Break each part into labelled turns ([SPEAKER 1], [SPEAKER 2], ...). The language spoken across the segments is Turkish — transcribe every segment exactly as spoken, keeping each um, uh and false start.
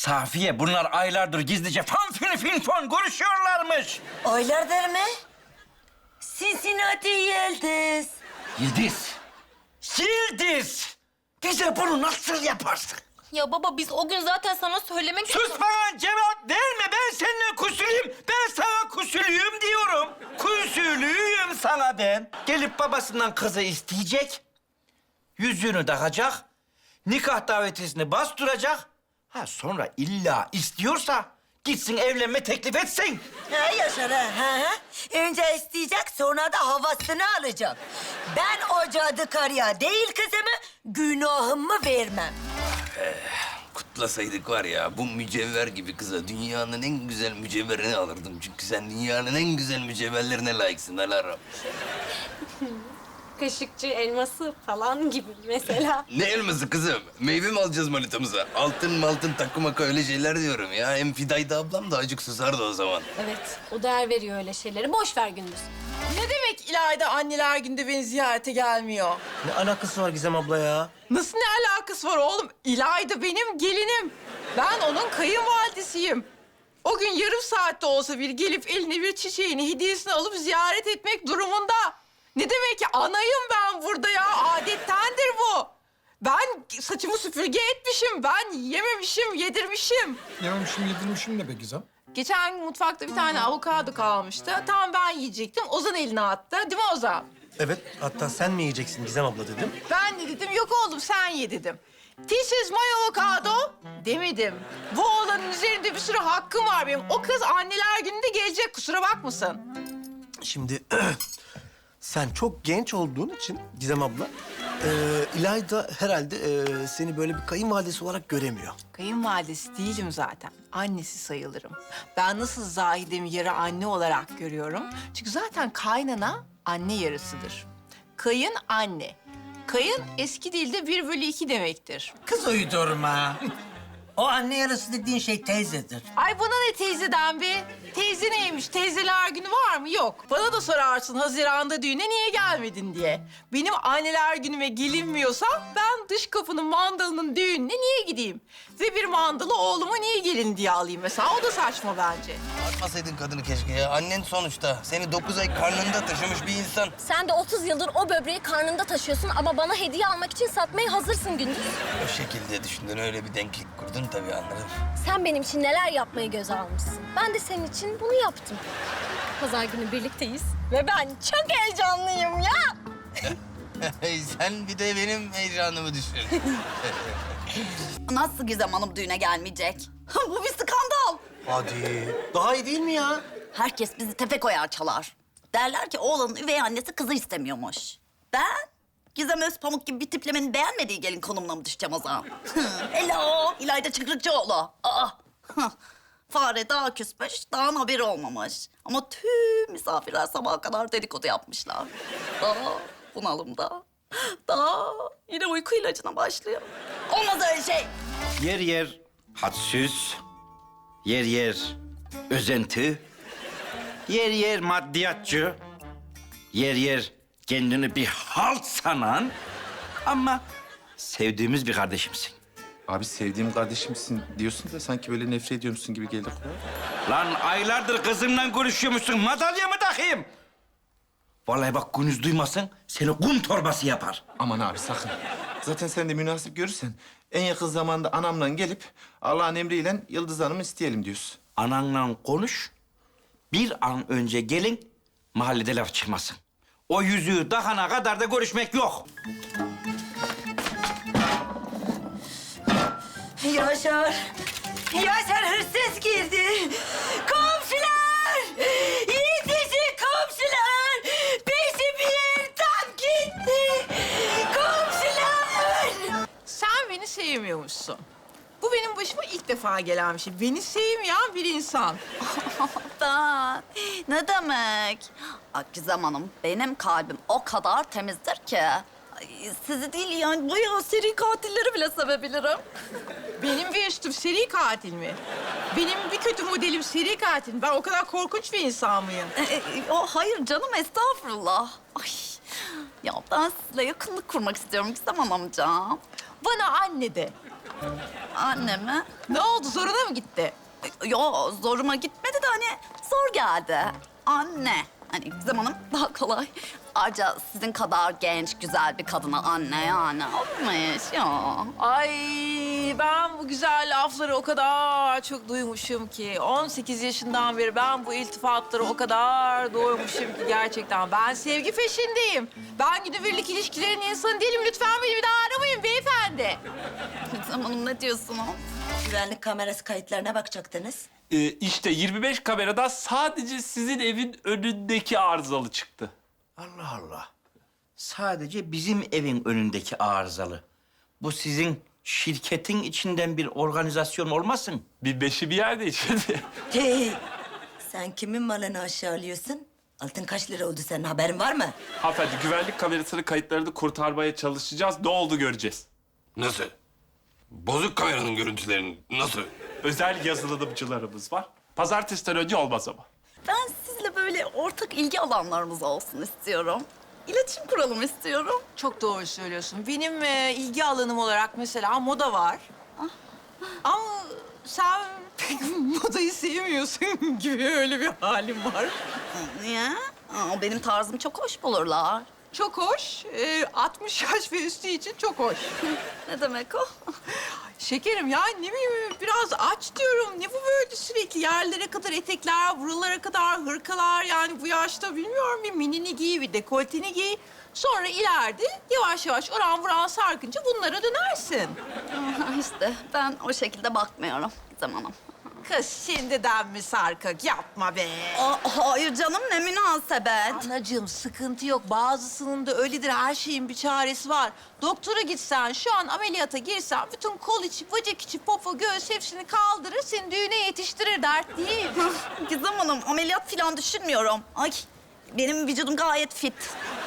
[SPEAKER 1] Safiye, bunlar aylardır gizlice fan fin fin fon görüşüyorlarmış.
[SPEAKER 2] Aylardır mı? Cincinnati Yıldız.
[SPEAKER 1] Yıldız. Yıldız. Bize bunu nasıl yaparsın?
[SPEAKER 3] Ya baba biz o gün zaten sana söylemek...
[SPEAKER 1] Sus bana, cevap verme. Ben seninle kusuluyum. Ben sana kusuluyum diyorum. Kusuluyum sana ben. Gelip babasından kızı isteyecek. Yüzüğünü takacak. Nikah davetiyesini bastıracak. Ha sonra illa istiyorsa gitsin evlenme teklif etsin.
[SPEAKER 2] Ha Yaşar ha, ha, ha. Önce isteyecek, sonra da havasını alacak. Ben o cadı karıya değil kızımı, günahımı vermem.
[SPEAKER 4] Kutlasaydık var ya, bu mücevher gibi kıza dünyanın en güzel mücevherini alırdım. Çünkü sen dünyanın en güzel mücevherlerine layıksın Alara.
[SPEAKER 3] Kaşıkçı elması falan gibi mesela.
[SPEAKER 4] Ne elması kızım? Meyve mi alacağız manitamıza? Altın maltın takı maka öyle şeyler diyorum ya. Hem Fidayda ablam da acık susardı o zaman.
[SPEAKER 3] Evet, o değer veriyor öyle şeyleri. Boş ver Gündüz.
[SPEAKER 5] Ne demek İlayda anneler günde beni ziyarete gelmiyor?
[SPEAKER 6] Ne alakası var Gizem abla ya?
[SPEAKER 5] Nasıl ne alakası var oğlum? İlayda benim gelinim. Ben onun kayınvalidesiyim. O gün yarım saatte olsa bir gelip eline bir çiçeğini, hediyesini alıp ziyaret etmek durumunda. Ne demek ki anayım ben burada ya. Adettendir bu. Ben saçımı süpürge etmişim. Ben yememişim, yedirmişim.
[SPEAKER 7] Yememişim, yedirmişim ne be Gizem?
[SPEAKER 5] Geçen gün mutfakta bir tane avokado kalmıştı. Tam ben yiyecektim. Ozan eline attı. Değil mi Ozan?
[SPEAKER 6] Evet, hatta sen mi yiyeceksin Gizem abla dedim.
[SPEAKER 5] Ben de dedim yok oğlum sen ye dedim. This is my avocado demedim. Bu oğlanın üzerinde bir sürü hakkım var benim. O kız anneler gününde gelecek, kusura bakmasın.
[SPEAKER 6] Şimdi sen çok genç olduğun için Gizem abla, e, İlayda herhalde e, seni böyle bir kayınvalidesi olarak göremiyor.
[SPEAKER 5] Kayınvalidesi değilim zaten. Annesi sayılırım. Ben nasıl Zahide'mi yarı anne olarak görüyorum. Çünkü zaten kaynana anne yarısıdır. Kayın anne. Kayın eski dilde bir bölü iki demektir.
[SPEAKER 8] Kız uydurma. O anne yarısı dediğin şey teyzedir.
[SPEAKER 5] Ay bana ne teyzeden be? Teyze neymiş? Teyzeler günü var mı? Yok. Bana da sorarsın Haziran'da düğüne niye gelmedin diye. Benim anneler günüme gelinmiyorsa ben dış kapının mandalının düğününe niye gideyim? Ve bir mandalı oğluma niye gelin diye alayım mesela? O da saçma bence.
[SPEAKER 4] Atmasaydın kadını keşke ya. Annen sonuçta. Seni dokuz ay karnında taşımış bir insan.
[SPEAKER 3] Sen de otuz yıldır o böbreği karnında taşıyorsun ama bana hediye almak için satmaya hazırsın Gündüz.
[SPEAKER 4] O şekilde düşündün, öyle bir denklik kurdun tabii, anladım.
[SPEAKER 3] Sen benim için neler yapmayı göze almışsın. Ben de senin için bunu yaptım. Pazar günü birlikteyiz ve ben çok heyecanlıyım ya.
[SPEAKER 4] Sen bir de benim heyecanımı düşün.
[SPEAKER 9] Nasıl Gizem Hanım düğüne gelmeyecek? Bu bir skandal.
[SPEAKER 6] Hadi. Daha iyi değil mi ya?
[SPEAKER 9] Herkes bizi tepe koyar çalar. Derler ki oğlanın üvey annesi kızı istemiyormuş. Ben Gizem Özpamuk gibi bir tiplemenin beğenmediği gelin konumuna mı düşeceğim o zaman? Hello, İlayda Çıkrıkçıoğlu. Aa, fare daha küsmüş, dağın haberi olmamış. Ama tüm misafirler sabaha kadar dedikodu yapmışlar. Daha bunalımda. Daha yine uyku ilacına başlıyor. Olmaz öyle şey.
[SPEAKER 1] Yer yer hadsüz, yer yer özenti, yer yer maddiyatçı, yer yer kendini bir halt sanan ama sevdiğimiz bir kardeşimsin.
[SPEAKER 7] Abi sevdiğim kardeşimsin diyorsun da sanki böyle nefret ediyormuşsun gibi geldi kulağa.
[SPEAKER 1] Lan aylardır kızımla görüşüyormuşsun, madalya mı takayım? Vallahi bak Gündüz duymasın, seni kum torbası yapar.
[SPEAKER 7] Aman abi sakın. Zaten sen de münasip görürsen en yakın zamanda anamla gelip Allah'ın emriyle Yıldız Hanım'ı isteyelim diyorsun.
[SPEAKER 1] Ananla konuş, bir an önce gelin, mahallede laf çıkmasın. O yüzüğü takana kadar da görüşmek yok.
[SPEAKER 2] Yaşar, Yaşar hırsız girdi. Komşular, yetişin komşular. Bizi bir yer tam gitti. Komşular.
[SPEAKER 5] Sen beni sevmiyormuşsun. Bu benim başıma ilk defa gelen bir şey. Beni sevmeyen bir insan.
[SPEAKER 9] Ben, ne demek? Ay Gizem Hanım, benim kalbim o kadar temizdir ki. Ay, sizi değil yani bayağı seri katilleri bile sevebilirim.
[SPEAKER 5] Benim bir üstüm seri katil mi? Benim bir kötü modelim seri katil mi? Ben o kadar korkunç bir insan mıyım?
[SPEAKER 9] E, e, o hayır canım, estağfurullah. Ay, ya ben sizinle yakınlık kurmak istiyorum Gizem Hanımcığım.
[SPEAKER 5] Bana anne de.
[SPEAKER 9] Anne mi?
[SPEAKER 5] Ne oldu, zoruna mı gitti?
[SPEAKER 9] Yo, zoruma gitmedi de hani zor geldi. Anne. Hani Gizem Hanım daha kolay. Ayrıca sizin kadar genç, güzel bir kadına anne yani. Olmuş ya.
[SPEAKER 5] Ay ben bu güzel lafları o kadar çok duymuşum ki. on sekiz yaşından beri ben bu iltifatları o kadar duymuşum ki gerçekten. Ben sevgi peşindeyim. Ben günübirlik ilişkilerin insanı değilim. Lütfen beni bir daha aramayın beyefendi.
[SPEAKER 9] Gizem Hanım ne diyorsunuz?
[SPEAKER 2] Güvenlik kamerası kayıtlarına bakacaktınız.
[SPEAKER 10] Ee, işte yirmi beş kamerada sadece sizin evin önündeki arızalı çıktı.
[SPEAKER 1] Allah Allah. Sadece bizim evin önündeki arızalı. Bu sizin şirketin içinden bir organizasyon olmasın?
[SPEAKER 10] Bir beşi bir yerde içinde.
[SPEAKER 2] Hey, sen kimin malını aşağılıyorsun? Altın kaç lira oldu senin haberin var mı?
[SPEAKER 10] Hanımefendi güvenlik kamerasının kayıtlarını kurtarmaya çalışacağız. Ne oldu göreceğiz.
[SPEAKER 4] Nasıl? Bozuk kameranın görüntülerini nasıl?
[SPEAKER 10] Özel yazılımcılarımız var. Pazartesiden önce olmaz ama.
[SPEAKER 9] Ben sizle böyle ortak ilgi alanlarımız olsun istiyorum. İletişim kuralım istiyorum.
[SPEAKER 5] Çok doğru söylüyorsun. Benim e, ilgi alanım olarak mesela moda var. Ama sen pek modayı sevmiyorsun gibi öyle bir halim var.
[SPEAKER 9] Niye? Aa, benim tarzım çok hoş bulurlar.
[SPEAKER 5] Çok hoş. E, altmış yaş ve üstü için çok hoş.
[SPEAKER 9] Ne demek o?
[SPEAKER 5] Şekerim ya ne bileyim biraz aç diyorum. Ne bu böyle sürekli yerlere kadar etekler, buralara kadar hırkalar. Yani bu yaşta bilmiyorum bir minini giy, bir dekolteni giy. Sonra ileride yavaş yavaş oran buran sarkınca bunlara dönersin.
[SPEAKER 9] işte ben o şekilde bakmıyorum Gizem Hanım.
[SPEAKER 5] Kız şimdiden mi sarkık? Yapma be.
[SPEAKER 9] Aa, hayır canım ne münasebet.
[SPEAKER 5] Anacığım sıkıntı yok. Bazısının da öyledir. Her şeyin bir çaresi var. Doktora gitsen, şu an ameliyata girsen... ...bütün kol içi, bacak içi, popo, göğüs hepsini kaldırır... ...seni düğüne yetiştirir. Dert değil.
[SPEAKER 9] Gizem Hanım ameliyat falan düşünmüyorum. Ay benim vücudum gayet fit.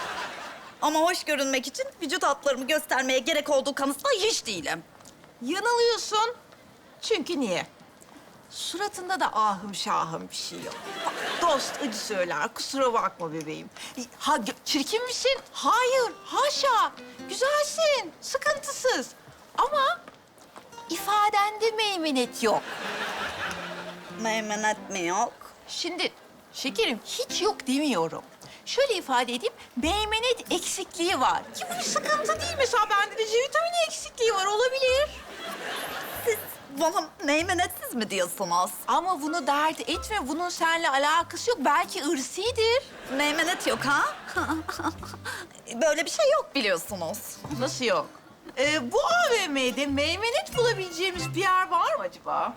[SPEAKER 9] Ama hoş görünmek için vücut hatlarımı göstermeye gerek olduğu kanısında hiç değilim.
[SPEAKER 5] Yanılıyorsun. Çünkü niye? Suratında da ahım şahım bir şey yok. Dost acı söyler. Kusura bakma bebeğim. Ha, çirkin misin? Hayır. Haşa. Güzelsin. Sıkıntısız. Ama ifadende meymenet yok.
[SPEAKER 9] Meymenet mi yok?
[SPEAKER 5] Şimdi şekerim hiç yok demiyorum. Şöyle ifade edeyim, meymenet eksikliği var. Ki bu bir sıkıntı değil. Mesela bende de C vitamini eksikliği var, olabilir.
[SPEAKER 9] Siz bana meymenetsiz mi diyorsunuz?
[SPEAKER 5] Ama bunu dert etme, bunun seninle alakası yok. Belki ırsidir.
[SPEAKER 9] Meymenet yok ha? Böyle bir şey yok biliyorsunuz.
[SPEAKER 5] Nasıl yok? Ee, bu A V M'de meymenet bulabileceğimiz bir yer var mı acaba?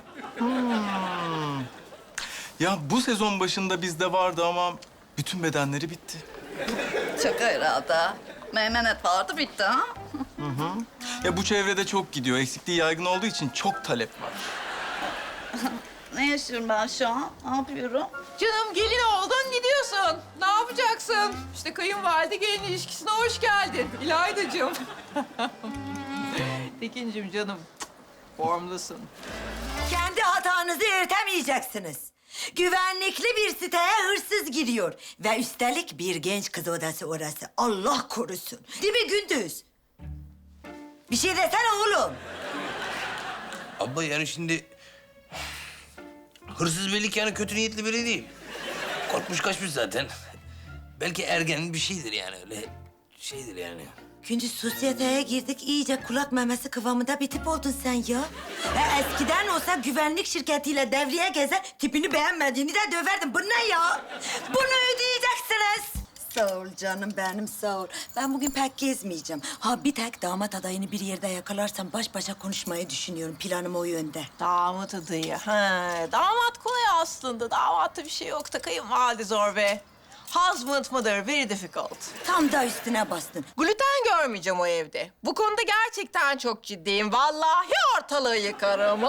[SPEAKER 11] Ya bu sezon başında bizde vardı ama bütün bedenleri bitti.
[SPEAKER 9] Çok herhalde. Meymenet vardı bitti ha?
[SPEAKER 11] Ya bu çevrede çok gidiyor. Eksikliği yaygın olduğu için çok talep var.
[SPEAKER 9] Ne yaşıyorum ben şu an? Ne yapıyorum?
[SPEAKER 5] Canım gelin oldun gidiyorsun. Ne yapacaksın? İşte kayınvalide gelin ilişkisine hoş geldin. İlaydacığım. Tekincim canım. Formdasın.
[SPEAKER 2] Kendi hatanızı örtemeyeceksiniz. Güvenlikli bir siteye hırsız giriyor. Ve üstelik bir genç kız odası orası. Allah korusun. Değil mi Gündüz? Bir şey desene oğlum.
[SPEAKER 4] Abla yani şimdi... Hırsız belli ki yani kötü niyetli biri değil. Korkmuş kaçmış zaten. Belki ergenin bir şeydir yani öyle şeydir yani.
[SPEAKER 2] Gündüz sosyeteye girdik. İyice kulak memesi kıvamında bir tip oldun sen ya. E, eskiden olsa güvenlik şirketiyle devriye gezer, tipini beğenmediğini de döverdin. Bu ne ya? Bunu ödeyeceksiniz. Sağ ol canım benim, sağ ol. Ben bugün pek gezmeyeceğim. Ha bir tek damat adayını bir yerde yakalarsam baş başa konuşmayı düşünüyorum. Planım o yönde.
[SPEAKER 5] Damat adayı. Ha, damat kolay aslında. Damatta bir şey yok da kayınvalide zor be. Husband mother very difficult.
[SPEAKER 2] Tam da üstüne bastın.
[SPEAKER 5] Gluten görmeyeceğim o evde. Bu konuda gerçekten çok ciddiyim. Vallahi ortalığı yıkarım.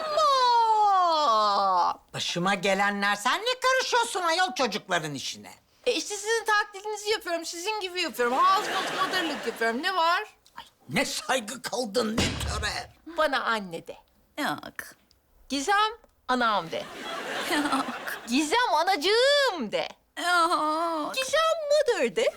[SPEAKER 5] Allah!
[SPEAKER 8] Başıma gelenler, sen ne karışıyorsun ayol çocukların işine?
[SPEAKER 5] E işte sizin taklidinizi yapıyorum. Sizin gibi yapıyorum. Husband mother'lık yapıyorum. Ne var?
[SPEAKER 8] Ne saygı kaldın, ne töre.
[SPEAKER 5] Bana anne de.
[SPEAKER 9] Yok.
[SPEAKER 5] Gizem anam de. Gizem anacığım de.
[SPEAKER 9] Yok.
[SPEAKER 5] Gizem mother de.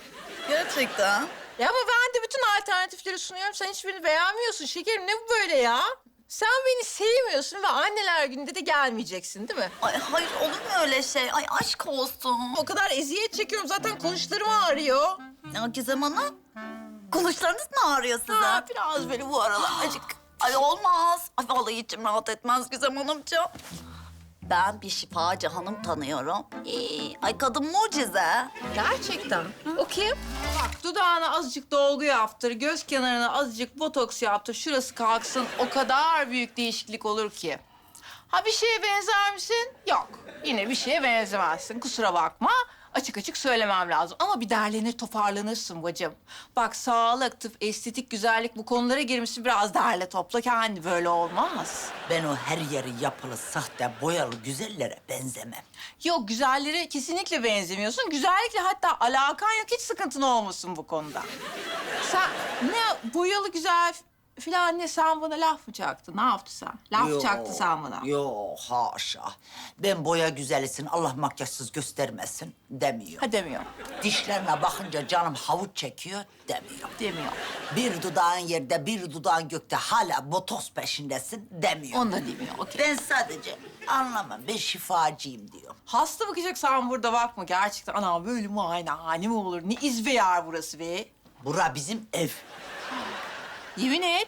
[SPEAKER 9] Gerçekten.
[SPEAKER 5] Ya ama ben de bütün alternatifleri sunuyorum. Sen hiçbirini beğenmiyorsun şekerim. Ne bu böyle ya? Sen beni sevmiyorsun ve anneler gününde de gelmeyeceksin değil mi?
[SPEAKER 9] Ay hayır olur mu öyle şey? Ay aşk olsun.
[SPEAKER 5] O kadar eziyet çekiyorum zaten kuluşlarım ağrıyor.
[SPEAKER 9] Ya Gizem Hanım, kuluşlarınız mı ağrıyor size?
[SPEAKER 5] Ha, biraz böyle bu aralar acık.
[SPEAKER 9] Ay olmaz. Ay vallahi içim rahat etmez Gizem Hanımcığım. Ben bir şifacı hanım tanıyorum. Ee, ay kadın mucize.
[SPEAKER 5] Gerçekten. O kim? Bak dudağına azıcık dolgu yaptır, göz kenarına azıcık botoks yaptır, şurası kalksın. O kadar büyük değişiklik olur ki. Ha bir şeye benzer misin? Yok. Yine bir şeye benzemezsin. Kusura bakma. Açık açık söylemem lazım. Ama bir derlenir toparlanırsın bacım. Bak sağlık, tıp, estetik, güzellik bu konulara girmişsin. Biraz derle topla kendi böyle olmaz.
[SPEAKER 8] Ben o her yeri yapılı, sahte, boyalı güzellere benzemem.
[SPEAKER 5] Yok güzellere kesinlikle benzemiyorsun. Güzellikle hatta alakan yok. Hiç sıkıntın olmasın bu konuda. Sen ne boyalı güzel filan ne sen bana laf mı çaktın? Ne yaptın sen? Laf
[SPEAKER 8] Yo,
[SPEAKER 5] çaktın sen bana.
[SPEAKER 8] Yo haşa. Ben boya güzelisin, Allah makyajsız göstermesin demiyor.
[SPEAKER 5] Ha demiyor.
[SPEAKER 8] Dişlerine bakınca canım havuç çekiyor demiyor.
[SPEAKER 5] Demiyor.
[SPEAKER 8] Bir dudağın yerde, bir dudağın gökte hala botoks peşindesin demiyor.
[SPEAKER 5] Onu da demiyor. Okey.
[SPEAKER 8] Ben sadece anlamam, ben şifacıyım diyor.
[SPEAKER 5] Hasta bakacaksan burada bakma. Gerçekten ana böyle muayenehane mi olur? Ne izbe yer burası be?
[SPEAKER 8] Bura bizim ev.
[SPEAKER 5] Yemin et.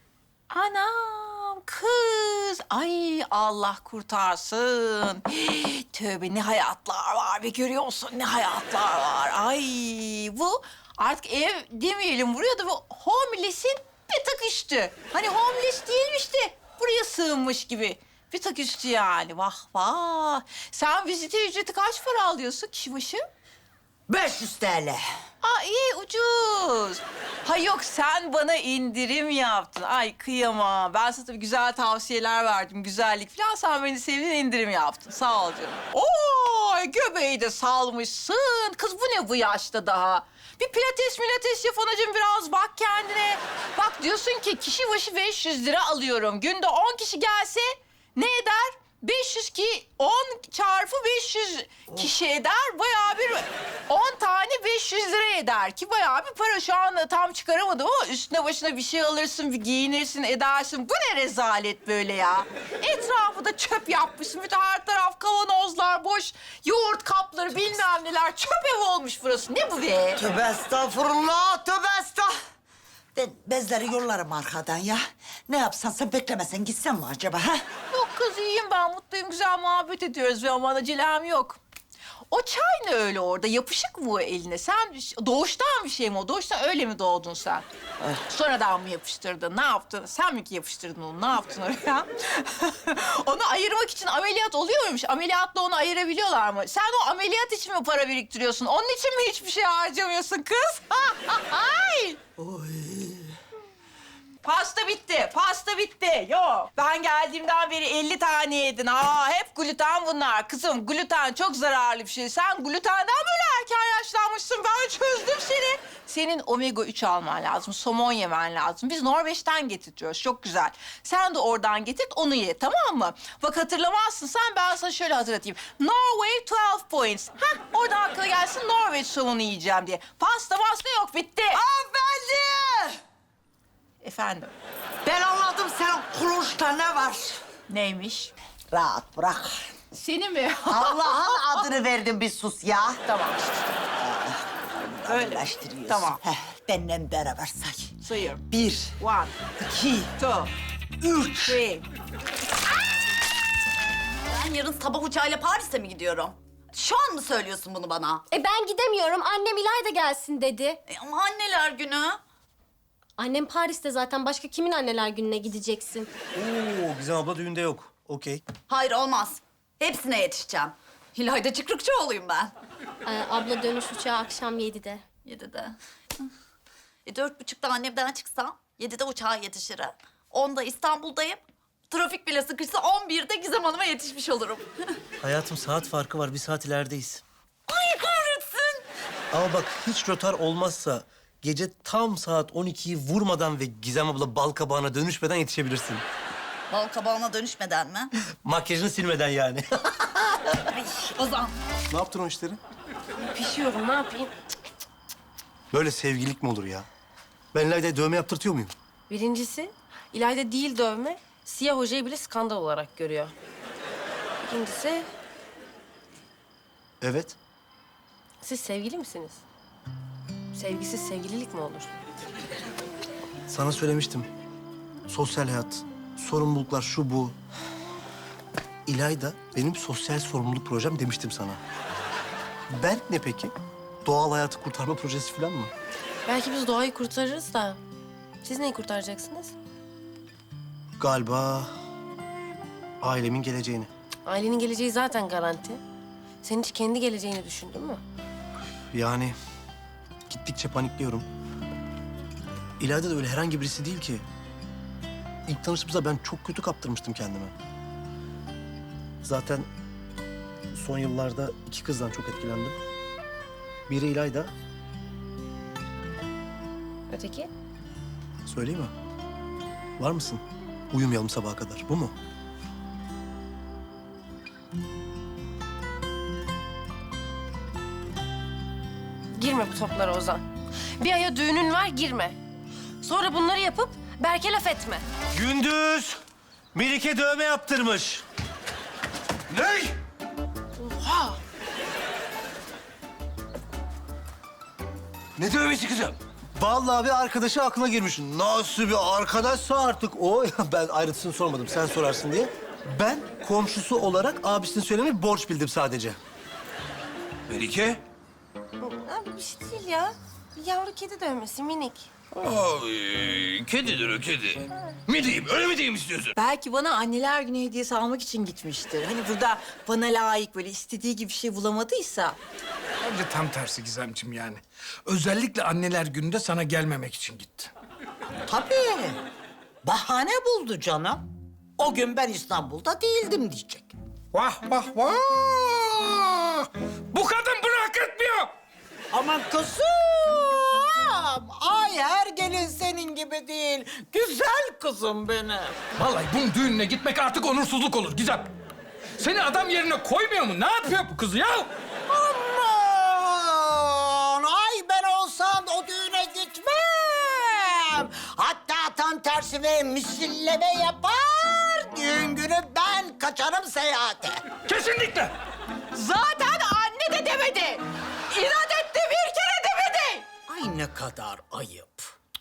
[SPEAKER 5] Anam kız. Ay Allah kurtarsın. Tövbe ne hayatlar var be görüyorsun ne hayatlar var. Ay bu artık ev demeyelim buraya da bu homeless'in bir tık üstü. Hani homeless değilmiş de buraya sığınmış gibi. Bir tık üstü yani vah vah. Sen vizite ücreti kaç para alıyorsun kişi başı?
[SPEAKER 8] beş yüz TL.
[SPEAKER 5] Aa iyi ucuz. Ha yok sen bana indirim yaptın. Ay kıyamam. Ben sana tabii güzel tavsiyeler verdim. Güzellik falan. Sen beni sevdin indirim yaptın. Sağ ol canım. Oo göbeği de salmışsın. Kız bu ne bu yaşta daha? Bir pilates milates yap anacığım biraz bak kendine. Bak diyorsun ki kişi başı beş yüz lira alıyorum. Günde on kişi gelse ne eder? beş yüz ki on çarpı beş yüz kişi eder. Bayağı bir on tane beş yüz lira eder ki bayağı bir para. Şu anda tam çıkaramadım ama üstüne başına bir şey alırsın, bir giyinirsin, edersin. Bu ne rezalet böyle ya? Etrafı da çöp yapmışsın. Bütün her taraf kavanozlar boş. Yoğurt kapları bilmem neler. Çöp ev olmuş burası. Ne bu be?
[SPEAKER 8] Tövbe estağfurullah, tövbe estağfurullah. Ben bezleri yollarım arkadan ya. Ne yapsan sen beklemesen gitsen mi acaba ha?
[SPEAKER 5] Yok kız iyiyim ben mutluyum. Güzel muhabbet ediyoruz ve aman acelem yok. O çay ne öyle orada? Yapışık mı o eline? Sen doğuştan bir şey mi o? Doğuştan öyle mi doğdun sen? Sonradan mı yapıştırdın? Ne yaptın? Sen mi ki yapıştırdın onu? Ne yaptın oraya? Onu ayırmak için ameliyat oluyor muymuş? Ameliyatla onu ayırabiliyorlar mı? Sen o ameliyat için mi para biriktiriyorsun? Onun için mi hiçbir şey harcamıyorsun kız? Ay! Pasta bitti, pasta bitti. Yok. Ben geldiğimden beri elli tane yedin. Aa, hep gluten bunlar. Kızım, gluten çok zararlı bir şey. Sen glutenden böyle erken yaşlanmışsın. Ben çözdüm seni. Senin omega üç alman lazım, somon yemen lazım. Biz Norveç'ten getiriyoruz, çok güzel. Sen de oradan getir, onu ye, tamam mı? Bak hatırlamazsın sen, ben sana şöyle hatırlatayım. Norway twelve points. Hah, oradan aklına gelsin Norveç somonu yiyeceğim diye. Pasta pasta yok, bitti.
[SPEAKER 8] Hanımefendi!
[SPEAKER 5] Efendim,
[SPEAKER 8] Ben anladım senin kuluşta ne var?
[SPEAKER 5] neymiş?
[SPEAKER 8] Rahat bırak.
[SPEAKER 5] Seni mi?
[SPEAKER 8] Allah'ın adını verdim bir sus ya.
[SPEAKER 5] Tamam. Öyle.
[SPEAKER 8] Öyle.
[SPEAKER 5] Tamam.
[SPEAKER 8] Heh, benimle beraber say.
[SPEAKER 5] Sayıyorum.
[SPEAKER 8] Bir,
[SPEAKER 5] One,
[SPEAKER 8] iki,
[SPEAKER 5] two,
[SPEAKER 8] üç.
[SPEAKER 5] three.
[SPEAKER 9] Ben yarın sabah uçağıyla Paris'e mi gidiyorum? Şu an mı söylüyorsun bunu bana?
[SPEAKER 3] E ben gidemiyorum. Annem İlayda gelsin dedi.
[SPEAKER 9] E, ama anneler günü.
[SPEAKER 3] Annem Paris'te zaten. Başka kimin anneler gününe gideceksin?
[SPEAKER 6] Oo, Gizem abla düğünde yok. Okey.
[SPEAKER 9] Hayır olmaz. Hepsine yetişeceğim. İlayda Çıkrıkçıoğlu'yum ben.
[SPEAKER 3] Ee, abla dönüş uçağı akşam yedide.
[SPEAKER 9] Yedide. E, dört buçukta annemden çıksam, yedide uçağa yetişirim. Onda İstanbul'dayım. Trafik bile sıkışsa on birde Gizem Hanım'a yetişmiş olurum.
[SPEAKER 6] Hayatım saat farkı var. Bir saat ilerideyiz.
[SPEAKER 9] Ay kahretsin.
[SPEAKER 6] Ama bak hiç rötar olmazsa gece tam saat on ikiyi vurmadan ve Gizem abla bal kabağına dönüşmeden yetişebilirsin.
[SPEAKER 9] Bal kabağına dönüşmeden mi?
[SPEAKER 6] Makyajını silmeden yani.
[SPEAKER 9] Ay Ozan.
[SPEAKER 6] Ne yaptın o işleri?
[SPEAKER 3] Pişiyorum ne yapayım?
[SPEAKER 6] Böyle sevgililik mi olur ya? Ben İlayda'ya dövme yaptırtıyor muyum?
[SPEAKER 12] Birincisi, İlayda değil dövme, Siyah hocayı bile skandal olarak görüyor. İkincisi,
[SPEAKER 6] Evet.
[SPEAKER 12] siz sevgili misiniz? Sevgisiz sevgililik mi olur?
[SPEAKER 6] Sana söylemiştim. Sosyal hayat, sorumluluklar şu bu. İlayda benim sosyal sorumluluk projem demiştim sana. Berk ne peki? Doğal hayatı kurtarma projesi falan mı?
[SPEAKER 12] Belki biz doğayı kurtarırız da siz neyi kurtaracaksınız?
[SPEAKER 6] Galiba ailemin geleceğini.
[SPEAKER 12] Ailenin geleceği zaten garanti. Sen hiç kendi geleceğini düşündün mü?
[SPEAKER 6] Yani gittikçe panikliyorum. İlayda da öyle herhangi birisi değil ki. İlk tanıştığımızda ben çok kötü kaptırmıştım kendime. Zaten son yıllarda iki kızdan çok etkilendim. Biri İlayda,
[SPEAKER 12] Öteki?
[SPEAKER 6] söyleyeyim mi? Var mısın? Uyumayalım sabaha kadar. Bu mu?
[SPEAKER 12] Girme bu toplara Ozan. Bir aya düğünün var, girme. Sonra bunları yapıp Berk'e laf etme.
[SPEAKER 6] Gündüz Melike dövme yaptırmış.
[SPEAKER 1] Ne?
[SPEAKER 12] Oha!
[SPEAKER 4] Ne dövmesi kızım?
[SPEAKER 6] Vallahi bir arkadaşı aklına girmiş. Nasıl bir arkadaşsa artık o. Ben ayrıntısını sormadım, sen sorarsın diye. Ben komşusu olarak abisinin söylemeyi borç bildim sadece.
[SPEAKER 4] Melike?
[SPEAKER 12] Abi bir şey değil ya. Bir yavru kedi dövmesi, minik.
[SPEAKER 4] Ay, kedidir o kedi. Mi diyeyim, öyle mi diyeyim istiyorsun?
[SPEAKER 8] Belki bana anneler günü hediyesi almak için gitmiştir. Hani burada bana layık böyle istediği gibi bir şey bulamadıysa.
[SPEAKER 13] Bence tam tersi Gizemciğim yani. Özellikle anneler gününde sana gelmemek için gitti.
[SPEAKER 8] Tabii. Bahane buldu canım. O gün ben İstanbul'da değildim diyecek.
[SPEAKER 13] Vah vah vah! Bu kadın bunu hak etmiyor.
[SPEAKER 8] Aman kızım! Ay her gelin senin gibi değil. Güzel kızım benim.
[SPEAKER 13] Vallahi bunun düğününe gitmek artık onursuzluk olur Gizem. Seni adam yerine koymuyor mu? Ne yapıyor bu kız ya?
[SPEAKER 8] Aman! Ay ben olsam o düğüne gitmem. Hatta tam tersine misilleme yapar. Düğün günü ben kaçarım seyahate.
[SPEAKER 13] Kesinlikle.
[SPEAKER 8] Zaten anne de demedi. İnat etti bir kere demedi. Ay ne kadar ayıp.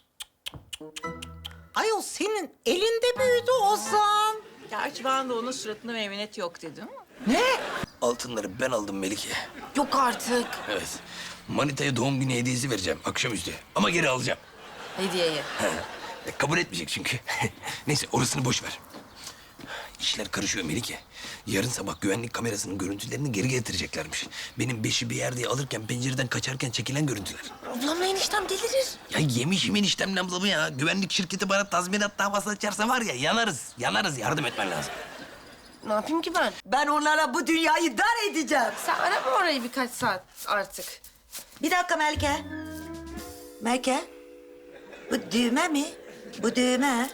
[SPEAKER 8] Ayol senin elinde büyüdü Ozan. Gerçi ben de onun suratına meymenet yok dedim. Ne?
[SPEAKER 4] Altınları ben aldım Melike.
[SPEAKER 12] Yok artık.
[SPEAKER 4] Evet. Manita'ya doğum günü hediyesi vereceğim akşamüstü. Ama geri alacağım.
[SPEAKER 12] Hediyeyi.
[SPEAKER 4] E, kabul etmeyecek çünkü. Neyse orasını boş ver. İşler karışıyor Melike. Yarın sabah güvenlik kamerasının görüntülerini geri getireceklermiş. Benim beşi bir yerde alırken pencereden kaçarken çekilen görüntüler.
[SPEAKER 12] Ablamla eniştem delirir.
[SPEAKER 4] Ya yemişim eniştem ablamı ya. Güvenlik şirketi bana tazminat davası açarsa var ya yanarız. Yanarız, yardım etmen lazım.
[SPEAKER 12] Ne yapayım ki ben?
[SPEAKER 2] Ben onlara bu dünyayı dar edeceğim.
[SPEAKER 12] Sen arama orayı birkaç saat artık.
[SPEAKER 2] Bir dakika Melike. Melike, bu düğme mi? Bu düğme.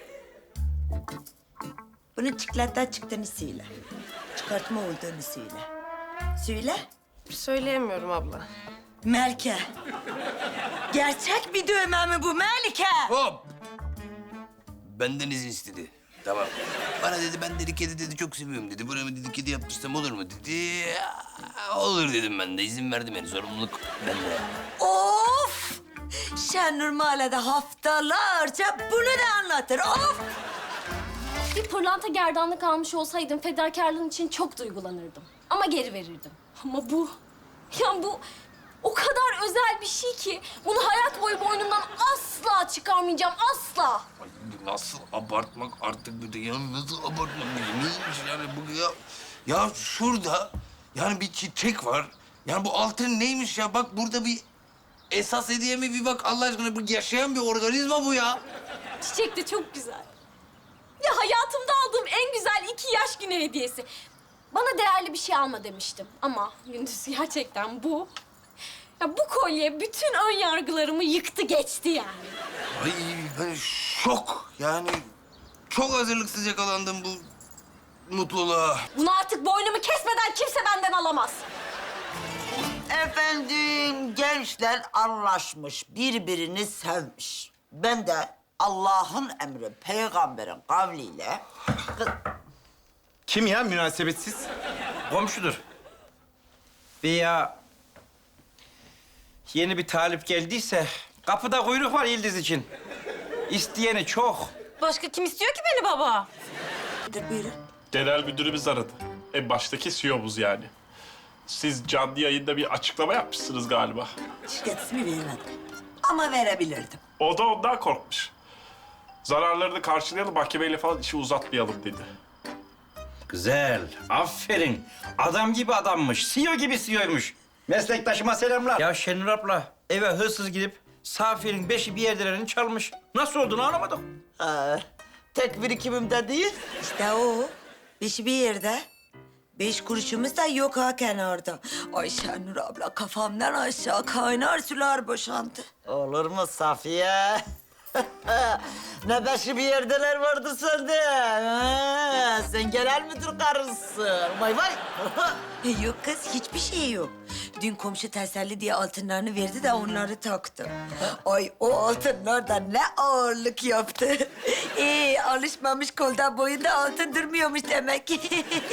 [SPEAKER 2] Bunun çikolatten çıktığını söyle. Çıkartma olduğunu söyle. Söyle.
[SPEAKER 12] Söyleyemiyorum abla.
[SPEAKER 2] Melike. Gerçek bir düğme mi bu Melike?
[SPEAKER 4] Hop! Benden izin istedi. Tamam. Bana dedi ben dedi kedi dedi çok seviyorum dedi. Buraya dedi kedi yaptırsam olur mu dedi. Olur dedim ben de. İzin verdim yani. Sorumluluk bende.
[SPEAKER 2] Of! Şenur Mahallede haftalarca bunu da anlatır. Of!
[SPEAKER 3] Bir pırlanta gerdanlık almış olsaydım fedakarlığın için çok duygulanırdım. Ama geri verirdim. Ama bu, ya bu o kadar özel bir şey ki bunu hayat boyu boynumdan asla çıkarmayacağım, asla.
[SPEAKER 4] Ay, nasıl abartmak artık bir de ya nasıl abartmak neymiş yani bu ya. Ya şurada yani bir çiçek var. Yani bu altın neymiş ya bak burada bir esas hediye mi bir bak Allah aşkına bu yaşayan bir organizma bu ya.
[SPEAKER 3] Çiçek de çok güzel. Ya hayatımda aldığım en güzel iki yaş günü hediyesi. Bana değerli bir şey alma demiştim. Ama Gündüz gerçekten bu. Ya bu kolye bütün ön yargılarımı yıktı geçti yani.
[SPEAKER 4] Ay ben şok yani çok hazırlıksız yakalandım bu mutluluğa.
[SPEAKER 3] Bunu artık boynumu kesmeden kimse benden alamaz.
[SPEAKER 8] Efendim gençler anlaşmış, birbirini sevmiş. Ben de Allah'ın emri, peygamberin kavliyle... Kız...
[SPEAKER 7] Kim ya münasebetsiz?
[SPEAKER 1] Komşudur. Veya yeni bir talip geldiyse kapıda kuyruk var Yıldız için. İsteyeni çok.
[SPEAKER 12] Başka kim istiyor ki beni baba?
[SPEAKER 2] Buyurun.
[SPEAKER 10] Genel müdürümüz aradı. En baştaki C E O'muz yani. Siz canlı yayında bir açıklama yapmışsınız galiba.
[SPEAKER 8] Şirket ismi veremedim. Ama verebilirdim.
[SPEAKER 10] O da ondan korkmuş. Zararlarını karşılayalım, mahkemeyle falan işi uzatmayalım dedi.
[SPEAKER 1] Güzel, aferin. Adam gibi adammış, C E O gibi C E O'ymuş. Meslektaşıma selamlar. Ya Şenur abla, eve hırsız gidip Safiye'nin beşi bir yerlerini çalmış. Nasıl olduğunu anlamadım.
[SPEAKER 8] Aa, tek birikimimde değil.
[SPEAKER 2] İşte o. Beşi bir yerde. Beş kuruşumuz da yok ha kenarda. Ay Şenur abla kafamdan aşağı kaynar sular boşandı.
[SPEAKER 8] Olur mu Safiye? Ne beşi bir yerdeler vardı sende. Ha, sen genel müdür karısın. Vay vay.
[SPEAKER 2] Yok kız hiçbir şey yok. Dün komşu teselli diye altınlarını verdi de onları taktım. Ay o altınlar da ne ağırlık yaptı. Ee, alışmamış kolda boyunda altın durmuyormuş demek ki.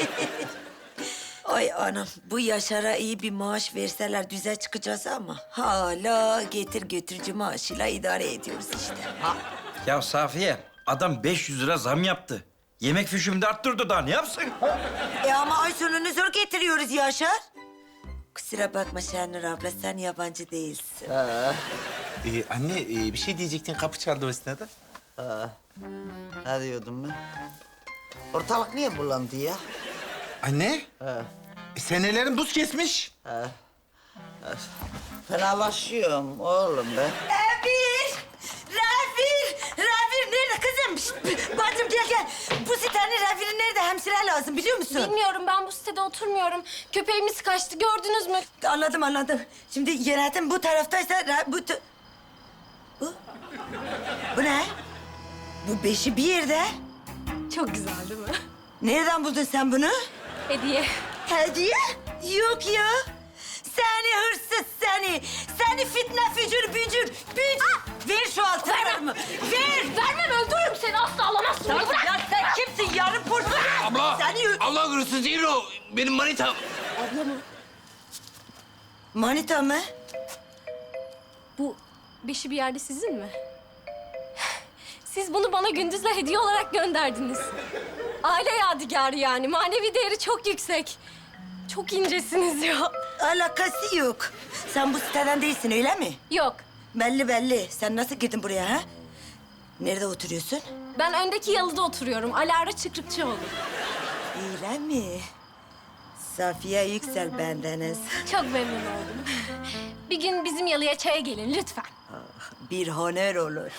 [SPEAKER 2] Ay anam bu Yaşar'a iyi bir maaş verseler düze çıkacağız ama hala getir götürücü maaşıyla idare ediyoruz işte. Ha.
[SPEAKER 1] Ya Safiye, adam beş yüz lira zam yaptı. Yemek fişimi de arttırdı daha ne yapsın?
[SPEAKER 2] E ama ay sonunu zor getiriyoruz Yaşar. Kusura bakma Şenur abla sen yabancı değilsin.
[SPEAKER 7] Ee, anne e, bir şey diyecektin, kapı çaldı o esnada.
[SPEAKER 8] Ha. Ne diyordum ben? Ortalık niye bulandı ya?
[SPEAKER 7] Anne?
[SPEAKER 8] Ha.
[SPEAKER 7] E, senelerin buz kesmiş.
[SPEAKER 8] Ha. Ha. Fenalaşıyorum oğlum ben.
[SPEAKER 2] Rafir! Rafir! Rafir nerede kızım? Şişt, bacım gel gel. Bu sitenin Rafir'i nerede? Hemşire lazım biliyor musun?
[SPEAKER 3] Bilmiyorum, ben bu sitede oturmuyorum. Köpeğimiz kaçtı, gördünüz mü?
[SPEAKER 2] Anladım anladım. Şimdi yönetim bu taraftaysa Ra- bu... ta- Bu? Bu ne? Bu beşi bir yerde.
[SPEAKER 3] Çok güzel değil mi?
[SPEAKER 2] Nereden buldun sen bunu?
[SPEAKER 3] Hediye.
[SPEAKER 2] Hediye? Yok ya. Seni hırsız seni. Seni fitne fücür bücür bücür. Ver şu altınlarımı. Ver.
[SPEAKER 3] Vermem, öldürürüm seni. Asla alamazsın.
[SPEAKER 2] Sen,
[SPEAKER 3] Bırak.
[SPEAKER 2] ya sen kimsin? Yarın porsu.
[SPEAKER 4] Abla,
[SPEAKER 2] Seni...
[SPEAKER 4] abla hırsız değil o. Benim manitam.
[SPEAKER 3] Abla mı?
[SPEAKER 2] Manita mı?
[SPEAKER 3] Bu beşi bir yerde sizin mi? Siz bunu bana gündüzle hediye olarak gönderdiniz. Aile yadigarı yani. Manevi değeri çok yüksek. Çok incesiniz ya.
[SPEAKER 2] Alakası yok. Sen bu siteden değilsin öyle mi?
[SPEAKER 3] Yok.
[SPEAKER 2] Belli belli. Sen nasıl girdin buraya ha? Nerede oturuyorsun?
[SPEAKER 3] Ben öndeki yalıda oturuyorum. Alara Çıkrıkçıoğlu.
[SPEAKER 2] Öyle mi? Safiye Yüksel bendeniz.
[SPEAKER 3] Çok memnun oldum. Bir gün bizim yalıya çaya gelin lütfen.
[SPEAKER 2] Bir honor olur.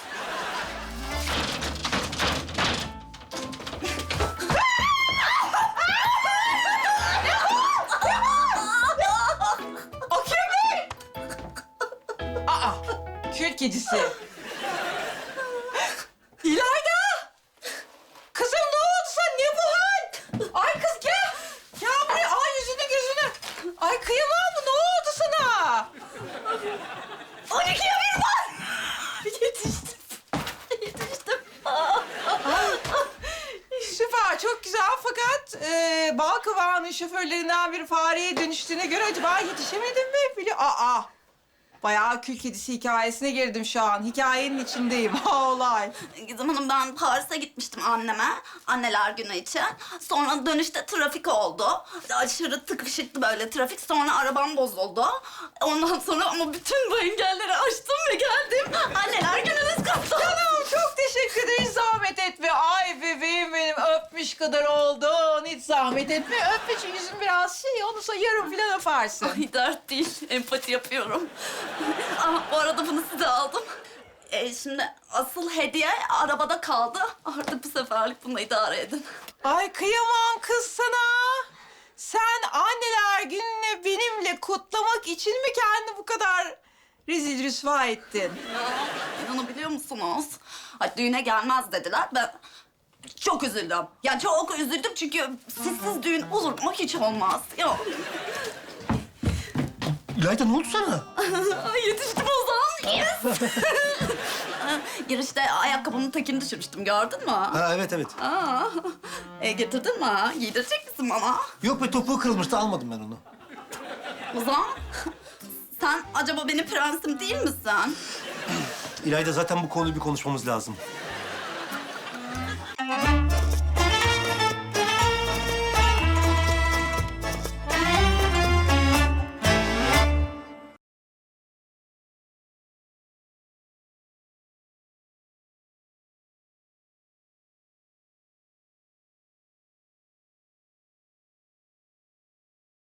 [SPEAKER 5] O kim? Aa, kül kedisi. İlayda! Kızım ne oldu sana? Ne bu hal? Ay kız gel. Gel buraya. Ay yüzünü gözünü. Ay kıyamam mı? Ne oldu sana?
[SPEAKER 2] on ikiye bir var. Yetiştim. Yetiştim.
[SPEAKER 5] Süper, çok güzel fakat e, bal kıvağının şoförlerinden bir fareye dönüştüğüne göre acaba yetişemedim mi? Bili Aa, bayağı kül kedisi hikayesine girdim şu an. Hikayenin içindeyim. Ha olay.
[SPEAKER 9] Gizem Hanım, ben Paris'e gitmiştim anneme, anneler günü için. Sonra dönüşte trafik oldu. Aşırı tıkışıktı böyle trafik. Sonra arabam bozuldu. Ondan sonra ama bütün bu engelleri aştım ve geldim. Anneler gününüz kutlu.
[SPEAKER 5] Canım çok teşekkür ederim. Zahmet etme. Ay bebeğim benim öpmüş kadar oldun. Hiç zahmet etme. Öpme çünkü yüzün biraz şey. Onu sonra yarım falan öpersin.
[SPEAKER 9] Ay dert değil, empati yapıyorum. Ama bu arada bunu size aldım. E, şimdi asıl hediye arabada kaldı. Artık bu seferlik bununla idare edin.
[SPEAKER 5] Ay kıyamam kız sana. Sen anneler gününü benimle kutlamak için mi kendini bu kadar rezil rüsva ettin?
[SPEAKER 9] Ya, inanabiliyor musunuz? Ay, düğüne gelmez dediler. Ben çok üzüldüm. Yani çok üzüldüm çünkü sizsiz düğün olur mu? Hiç olmaz. Yok.
[SPEAKER 6] İlayda ne oldu sana?
[SPEAKER 9] Ay, yetiştim o zaman. Yes. Girişte ayakkabımın tekini düşürmüştüm, gördün mü?
[SPEAKER 6] Ha evet evet.
[SPEAKER 9] Aa, e, getirdin mi? Giydirecek misin bana?
[SPEAKER 6] Yok be topuğu kırılmıştı almadım ben onu.
[SPEAKER 9] Ozan, sen acaba benim prensim değil misin?
[SPEAKER 6] İlayda zaten bu konuyu bir konuşmamız lazım.